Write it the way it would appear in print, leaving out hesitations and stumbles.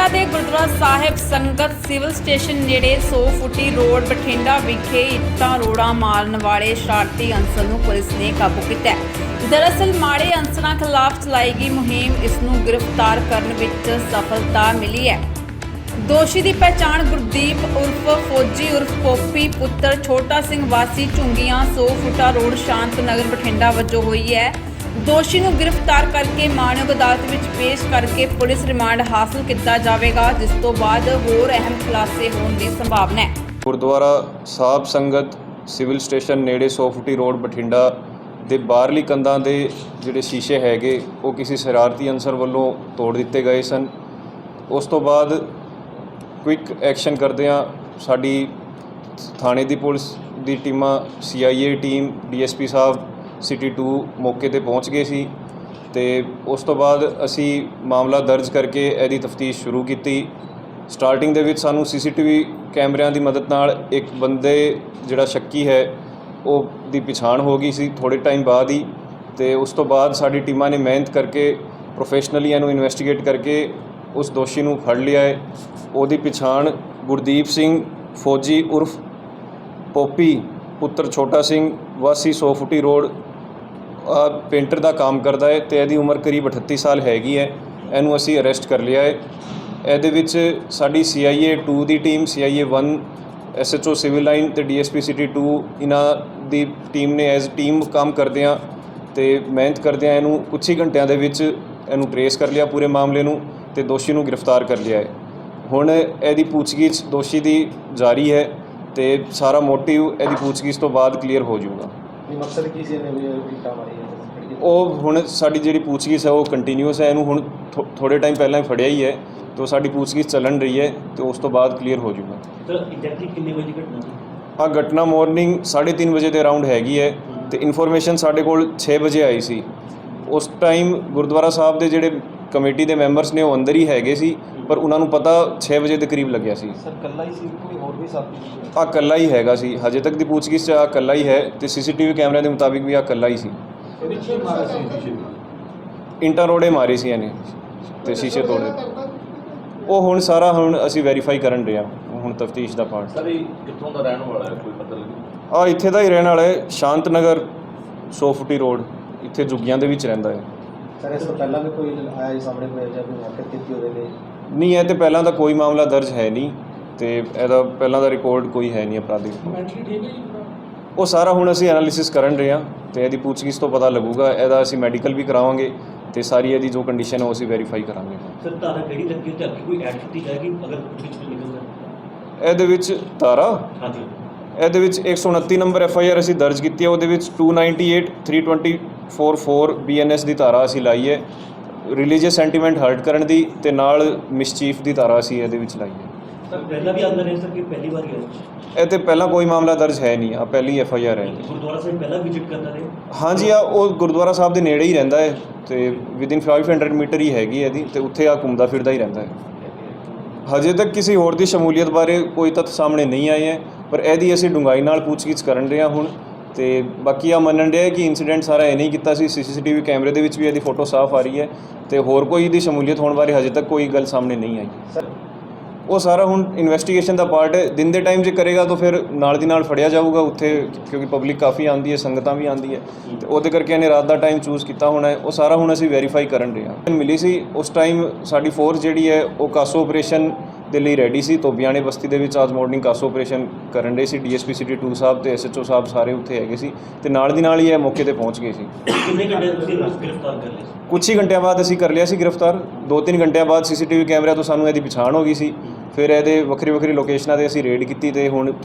ਬਠਿੰਡਾ ਦੇ ਗੁਰਦੁਆਰਾ ਸਾਹਿਬ ਸੰਗਤ civil station ਨੇੜੇ 100 ਫੁੱਟੀ ਰੋਡ ਬਠਿੰਡਾ ਵਿਖੇ ਇੱਟਾਂ ਰੋੜਾਂ ਮਾਰਨ ਵਾਲੇ ਸ਼ਰਾਰਤੀ ਅਨਸਰ ਨੂੰ ਪੁਲਿਸ ਨੇ ਕਾਬੂ ਕੀਤਾ ਹੈ। ਦਰਅਸਲ ਮਾੜੇ ਅਨਸਰਾਂ ਖਿਲਾਫ ਚਲਾਈ ਗਈ ਮੁਹਿੰਮ ਇਸ ਨੂੰ ਗ੍ਰਿਫਤਾਰ ਕਰਨ ਵਿੱਚ ਸਫਲਤਾ ਮਿਲੀ ਹੈ। ਦੋਸ਼ੀ ਦੀ ਪਛਾਣ ਗੁਰਦੀਪ ਉਰਫ ਫੌਜੀ ਉਰਫ ਪੋਪੀ ਪੁੱਤਰ ਛੋਟਾ ਸਿੰਘ ਵਾਸੀ ਝੁੰਗੀਆਂ 100 ਫੁੱਟਾ ਰੋਡ ਸ਼ਾਂਤ ਨਗਰ ਬਠਿੰਡਾ ਵਜੋਂ ਹੋਈ ਹੈ। ਦੋਸ਼ੀ ਨੂੰ ਗ੍ਰਿਫਤਾਰ ਕਰਕੇ ਮਾਨਯੋਗ ਅਦਾਲਤ ਵਿੱਚ ਪੇਸ਼ ਕਰਕੇ ਪੁਲਿਸ ਰਿਮਾਂਡ ਹਾਸਲ ਕੀਤਾ ਜਾਵੇਗਾ, ਜਿਸ ਤੋਂ ਬਾਅਦ ਹੋਰ ਅਹਿਮ ਖੁਲਾਸੇ ਹੋਣ ਦੀ ਸੰਭਾਵਨਾ ਹੈ। ਗੁਰਦੁਆਰਾ ਸਾਹਿਬ ਸੰਗਤ ਸਿਵਲ ਸਟੇਸ਼ਨ ਨੇੜੇ 100 ਫੁੱਟੀ ਰੋਡ ਬਠਿੰਡਾ ਦੇ ਬਾਹਰਲੀ ਕੰਧਾਂ ਦੇ ਜਿਹੜੇ ਸ਼ੀਸ਼ੇ ਹੈਗੇ ਉਹ ਕਿਸੇ ਸ਼ਰਾਰਤੀ ਅਨਸਰ ਵੱਲੋਂ ਤੋੜ ਦਿੱਤੇ ਗਏ ਸਨ। ਉਸ ਤੋਂ ਬਾਅਦ ਕੁਇਕ ਐਕਸ਼ਨ ਕਰਦਿਆਂ ਸਾਡੀ ਥਾਣੇ ਦੀ ਪੁਲਿਸ ਦੀ ਟੀਮਾਂ CIA ਟੀਮ DSP ਸਾਹਿਬ ਸਿਟੀ 2 ਮੌਕੇ ਤੇ ਪਹੁੰਚ ਗਏ ਸੀ ਤੇ ਉਸ ਤੋਂ ਬਾਅਦ ਅਸੀਂ ਮਾਮਲਾ ਦਰਜ ਕਰਕੇ ਇਹਦੀ ਤਫਤੀਸ਼ ਸ਼ੁਰੂ ਕੀਤੀ। ਸਟਾਰਟਿੰਗ ਦੇ ਵਿੱਚ ਸਾਨੂੰ CCTV ਕੈਮਰਿਆਂ ਦੀ ਮਦਦ ਨਾਲ ਇੱਕ ਬੰਦੇ ਜਿਹੜਾ ਸ਼ੱਕੀ ਹੈ ਉਹ ਦੀ ਪਛਾਣ ਹੋ ਗਈ ਸੀ ਥੋੜ੍ਹੇ ਟਾਈਮ ਬਾਅਦ ਹੀ, ਤੇ ਉਸ ਤੋਂ ਬਾਅਦ ਸਾਡੀ ਟੀਮਾਂ ਨੇ ਮਿਹਨਤ ਕਰਕੇ ਪ੍ਰੋਫੈਸ਼ਨਲੀ ਇਹਨੂੰ ਇਨਵੈਸਟੀਗੇਟ ਕਰਕੇ ਉਸ ਦੋਸ਼ੀ ਨੂੰ ਫੜ ਲਿਆ ਹੈ। ਉਹਦੀ ਪਛਾਣ ਗੁਰਦੀਪ ਸਿੰਘ ਫੌਜੀ ਉਰਫ ਪੋਪੀ ਪੁੱਤਰ ਛੋਟਾ ਸਿੰਘ ਵਾਸੀ 100 ਫੁੱਟੀ ਰੋਡ ਪੇਂਟਰ ਦਾ ਕੰਮ ਕਰਦਾ ਹੈ ਤੇ ਇਹਦੀ ਉਮਰ ਕਰੀਬ 38 ਸਾਲ ਹੈਗੀ ਹੈ। ਇਹਨੂੰ ਅਸੀਂ ਅਰੈਸਟ ਕਰ ਲਿਆ ਹੈ। ਇਹਦੇ ਵਿੱਚ ਸਾਡੀ CIA 2 ਦੀ team, CIA 1 SHO civil line ਤੇ DSP ਸਿਟੀ 2 ਇਹਨਾਂ ਦੀ ਟੀਮ ਨੇ ਐਜ਼ ਟੀਮ ਕੰਮ ਕਰਦਿਆਂ ਤੇ ਮਿਹਨਤ ਕਰਦਿਆਂ ਇਹਨੂੰ ਕੁਝ ਹੀ ਘੰਟਿਆਂ ਦੇ ਵਿੱਚ ਇਹਨੂੰ ਟਰੇਸ ਕਰ ਲਿਆ ਪੂਰੇ ਮਾਮਲੇ ਨੂੰ ਤੇ ਦੋਸ਼ੀ ਨੂੰ ਗ੍ਰਿਫਤਾਰ ਕਰ ਲਿਆ ਹੈ। ਹੁਣ ਇਹਦੀ ਪੁੱਛਗਿੱਛ ਦੋਸ਼ੀ ਦੀ ਜਾਰੀ ਹੈ ਤੇ ਸਾਰਾ ਮੋਟਿਵ ਇਹਦੀ ਪੁੱਛਗਿੱਛ ਤੋਂ ਬਾਅਦ ਕਲੀਅਰ ਹੋ ਜਾਊਗਾ। ਮਕਸਦ ਕੀ ਸੀ ਇਹਨੇ ਵੀ ਇੱਟਾਂ ਮਾਰੀਆਂ? ਉਹ ਹੁਣ ਸਾਡੀ ਜਿਹੜੀ ਪੁੱਛਗਿੱਛ ਹੈ ਉਹ ਕੰਟੀਨਿਊਸ ਹੈ। ਇਹਨੂੰ ਹੁਣ ਥੋੜ੍ਹੇ ਟਾਈਮ ਪਹਿਲਾਂ ਹੀ ਫੜਿਆ ਹੀ ਹੈ ਤੇ ਸਾਡੀ ਪੁੱਛਗਿੱਛ ਚੱਲਣ ਰਹੀ ਹੈ ਤੇ ਉਸ ਤੋਂ ਬਾਅਦ ਕਲੀਅਰ ਹੋ ਜਾਊਗਾ। ਸਰ ਐਗਜ਼ੈਕਟਲੀ ਕਿੰਨੇ ਵਜੇ ਦੀ ਘਟਨਾ ਸੀ? ਆਹ ਘਟਨਾ ਮਾਰਨਿੰਗ 3:30 ਵਜੇ ਦੇ ਅਰਾਊਂਡ ਹੈਗੀ ਹੈ ਤੇ ਇਨਫੋਰਮੇਸ਼ਨ ਸਾਡੇ ਕੋਲ 6 ਵਜੇ ਆਈ ਸੀ। ਉਸ ਟਾਈਮ ਗੁਰਦੁਆਰਾ ਸਾਹਿਬ ਦੇ ਜਿਹੜੇ ਕਮੇਟੀ ਦੇ ਮੈਂਬਰਸ ਨੇ ਉਹ ਅੰਦਰ ਹੀ ਹੈਗੇ ਸੀ, ਪਰ ਉਹਨਾਂ ਨੂੰ ਪਤਾ 6 ਵਜੇ ਦੇ ਕਰੀਬ ਲੱਗਿਆ ਸੀ। ਸਰ ਇਕੱਲਾ ਹੀ ਸੀ, ਕੋਈ ਹੋਰ ਵੀ ਸਾਥੀ ਸੀ? ਆਹ ਇਕੱਲਾ ਹੀ ਹੈਗਾ ਸੀ। ਹਜੇ ਤੱਕ ਦੀ ਪੁੱਛਗਿੱਛ 'ਚ ਆਹ ਇਕੱਲਾ ਹੀ ਹੈ ਤੇ CCTV ਕੈਮਰਿਆਂ ਦੇ ਮੁਤਾਬਿਕ ਵੀ ਆਹ ਇਕੱਲਾ ਹੀ ਸੀ। ਇੰਟਾਂ ਰੋੜੇ ਮਾਰੇ ਸੀ ਇਹਨੇ ਤੇ ਸ਼ੀਸ਼ੇ ਤੋੜੇ। ਉਹ ਹੁਣ ਸਾਰਾ ਅਸੀਂ ਵੈਰੀਫਾਈ ਕਰਨ ਰਹੇ ਹਾਂ, ਹੁਣ ਤਫਤੀਸ਼ ਦਾ ਪਾਰਟ। ਸਰ ਇਹ ਕਿੱਥੋਂ ਦਾ ਰਹਿਣ ਵਾਲਾ ਹੈ, ਕੋਈ ਪਤਾ ਲੱਗਿਆ? ਆਹ ਇੱਥੇ ਦਾ ਹੀ ਰਹਿਣ ਵਾਲਾ ਹੈ, ਸ਼ਾਂਤ ਨਗਰ 100 ਫੁੱਟੀ ਰੋਡ, ਇੱਥੇ ਝੁੱਗੀਆਂ ਦੇ ਵਿੱਚ ਰਹਿੰਦਾ ਹੈ। ਸਰ ਇਸ ਤੋਂ ਪਹਿਲਾਂ ਵੀ ਕੋਈ ਆਇਆ ਜੀ ਸਾਹਮਣੇ, ਕੋਈ ਜਾਂ ਕੋਈ ਹਰਕਤ ਕੀਤੀ ਉਹਦੇ ਲਈ? ਨਹੀਂ, ਇਹ ਤੇ ਪਹਿਲਾਂ ਤਾਂ ਕੋਈ ਮਾਮਲਾ ਦਰਜ ਹੈ ਨਹੀਂ ਤੇ ਇਹਦਾ ਪਹਿਲਾਂ ਦਾ ਰਿਕਾਰਡ ਕੋਈ ਹੈ ਨਹੀਂ ਅਪਰਾਧਿਕ। ਉਹ ਸਾਰਾ ਹੁਣ ਅਸੀਂ ਐਨਾਲਿਸਿਸ ਕਰਨ ਰਹੇ ਹਾਂ ਤੇ ਇਹਦੀ ਪੁੱਛਗਿੱਛ ਤੋਂ ਪਤਾ ਲੱਗੂਗਾ। ਇਹਦਾ ਅਸੀਂ ਮੈਡੀਕਲ ਵੀ ਕਰਾਵਾਂਗੇ ਤੇ ਸਾਰੀ ਇਹਦੀ ਜੋ ਕੰਡੀਸ਼ਨ ਹੈ ਉਹ ਅਸੀਂ ਵੈਰੀਫਾਈ ਕਰਾਂਗੇ। ਸਰ ਧਾਰਾ ਕਿਹੜੀ ਲੱਗੀ ਤੇ ਅੱਗੇ ਕੋਈ ਐਡ ਕੀਤੀ ਜਾਏਗੀ ਅਗਰ ਵਿੱਚ ਨਿਕਲਦਾ? ਇਹਦੇ ਵਿੱਚ ਧਾਰਾ, ਹਾਂਜੀ, ਇਹਦੇ ਵਿੱਚ 129 ਨੰਬਰ FIR ਅਸੀਂ ਦਰਜ ਕੀਤੀ ਹੈ। ਉਹਦੇ ਵਿੱਚ 298, 324 BNS ਦੀ ਧਾਰਾ ਅਸੀਂ ਲਾਈ ਹੈ, ਰਿਲੀਜੀਅਸ ਸੈਂਟੀਮੈਂਟ ਹਰਟ ਕਰਨ ਦੀ ਤੇ ਨਾਲ ਮਿਸਚੀਫ ਦੀ ਧਾਰਾ ਅਸੀਂ ਇਹਦੇ ਵਿੱਚ ਲਾਈ ਹੈ। ਸਰ ਪਹਿਲਾਂ ਵੀ ਆਉਂਦਾ ਰਿਹਾ ਸਰ ਕਿ ਪਹਿਲੀ ਵਾਰ ਹੀ ਇਹ ਤੇ ਪਹਿਲਾਂ ਕੋਈ ਮਾਮਲਾ ਦਰਜ ਹੈ ਨਹੀਂ, ਆ ਪਹਿਲੀ FIR ਹੈ। ਗੁਰਦੁਆਰਾ ਸਾਹਿਬ ਪਹਿਲਾਂ ਵਿਜ਼ਿਟ ਕਰਦਾ ਰਿਹਾ? ਹਾਂਜੀ, ਆ ਉਹ ਗੁਰਦੁਆਰਾ ਸਾਹਿਬ ਦੇ ਨੇੜੇ ਹੀ ਰਹਿੰਦਾ ਹੈ ਤੇ ਵਿਦਿਨ 500 ਮੀਟਰ ਹੀ ਹੈਗੀ ਇਹਦੀ ਤੇ ਉੱਥੇ ਆ ਘੁੰਮਦਾ ਫਿਰਦਾ ਹੀ ਰਹਿੰਦਾ ਹੈ। ਹਜੇ ਤੱਕ ਕਿਸੇ ਹੋਰ ਦੀ ਸ਼ਮੂਲੀਅਤ ਬਾਰੇ ਕੋਈ ਤੱਥ ਸਾਹਮਣੇ ਨਹੀਂ ਆਏ ਹੈ, ਪਰ ਇਹਦੀ ਅਸੀਂ ਡੂੰਘਾਈ ਨਾਲ ਪੁੱਛਗਿੱਛ ਕਰਨ ਰਹੇ ਹਾਂ ਹੁਣ ਤੇ ਬਾਕੀ ਆ ਮੰਨਣ ਰਿਹਾ ਕਿ ਇਨਸੀਡੈਂਟ ਸਾਰਾ ਇਹ ਨਹੀਂ ਕੀਤਾ ਸੀ। CCTV ਕੈਮਰੇ ਦੇ ਵਿੱਚ ਵੀ ਇਹਦੀ ਫੋਟੋ ਸਾਫ਼ ਆ ਰਹੀ ਹੈ ਤੇ ਹੋਰ ਕੋਈ ਇਹਦੀ ਸ਼ਮੂਲੀਅਤ ਹੋਣ ਬਾਰੇ ਹਜੇ ਤੱਕ ਕੋਈ ਗੱਲ ਸਾਹਮਣੇ ਨਹੀਂ ਆਈ। ਸਰ ਉਹ ਸਾਰਾ ਹੁਣ ਇਨਵੈਸਟੀਗੇਸ਼ਨ ਦਾ ਪਾਰਟ ਹੈ। ਦਿਨ ਦੇ ਟਾਈਮ ਜੇ ਕਰੇਗਾ ਤਾਂ ਫਿਰ ਨਾਲ ਦੀ ਨਾਲ ਫੜਿਆ ਜਾਊਗਾ ਉੱਥੇ, ਕਿਉਂਕਿ ਪਬਲਿਕ ਕਾਫੀ ਆਉਂਦੀ ਹੈ, ਸੰਗਤਾਂ ਵੀ ਆਉਂਦੀ ਹੈ ਤੇ ਉਹਦੇ ਕਰਕੇ ਇਹਨੇ ਰਾਤ ਦਾ ਟਾਈਮ ਚੂਜ਼ ਕੀਤਾ ਹੋਣਾ ਹੈ। ਉਹ ਸਾਰਾ ਹੁਣ ਅਸੀਂ ਵੈਰੀਫਾਈ ਕਰਨ ਰਹੇ ਹਾਂ। ਮਿਲੀ ਸੀ ਉਸ ਟਾਈਮ ਸਾਡੀ ਫੋਰਸ ਜਿਹੜੀ ਹੈ ਉਹ ਕਾਸੋ ਆਪਰੇਸ਼ਨ ਦੇ ਲਈ ਰੈਡੀ ਸੀ। ਧੋਬੀਆਣੇ ਬਸਤੀ ਦੇ ਵਿੱਚ ਅੱਜ ਮਾਰਨਿੰਗ ਕਾਸੋ ਆਪਰੇਸ਼ਨ ਕਰਨ ਰਹੇ ਸੀ। DSP ਸਿਟੀ 2 ਸਾਹਿਬ ਤੇ SHO ਸਾਹਿਬ ਸਾਰੇ ਉੱਥੇ ਹੈਗੇ ਸੀ ਤੇ ਨਾਲ ਦੀ ਨਾਲ ਹੀ ਇਹ ਮੌਕੇ ਤੇ ਪਹੁੰਚ ਗਏ ਸੀ। ਕਿੰਨੇ ਘੰਟੇ ਤੁਸੀਂ ਗ੍ਰਿਫਤਾਰ ਕਰ ਲਿਆ? ਕੁਛ ਹੀ ਘੰਟਿਆਂ ਬਾਅਦ ਅਸੀਂ ਕਰ ਲਿਆ ਸੀ ਗ੍ਰਿਫਤਾਰ। 2-3 ਘੰਟਿਆਂ ਬਾਅਦ CCTV ਕੈਮਰਿਆਂ ਤੋਂ ਸਾਨੂੰ ਇਹਦੀ ਪਛਾਣ ਹੋ ਗਈ ਸੀ। ਫਿਰ ਇਹਦੇ ਵੱਖਰੀ ਲੋਕੇਸ਼ਨਾਂ 'ਤੇ ਅਸੀਂ ਰੇਡ ਕੀਤੀ ਤੇ ਹੁਣ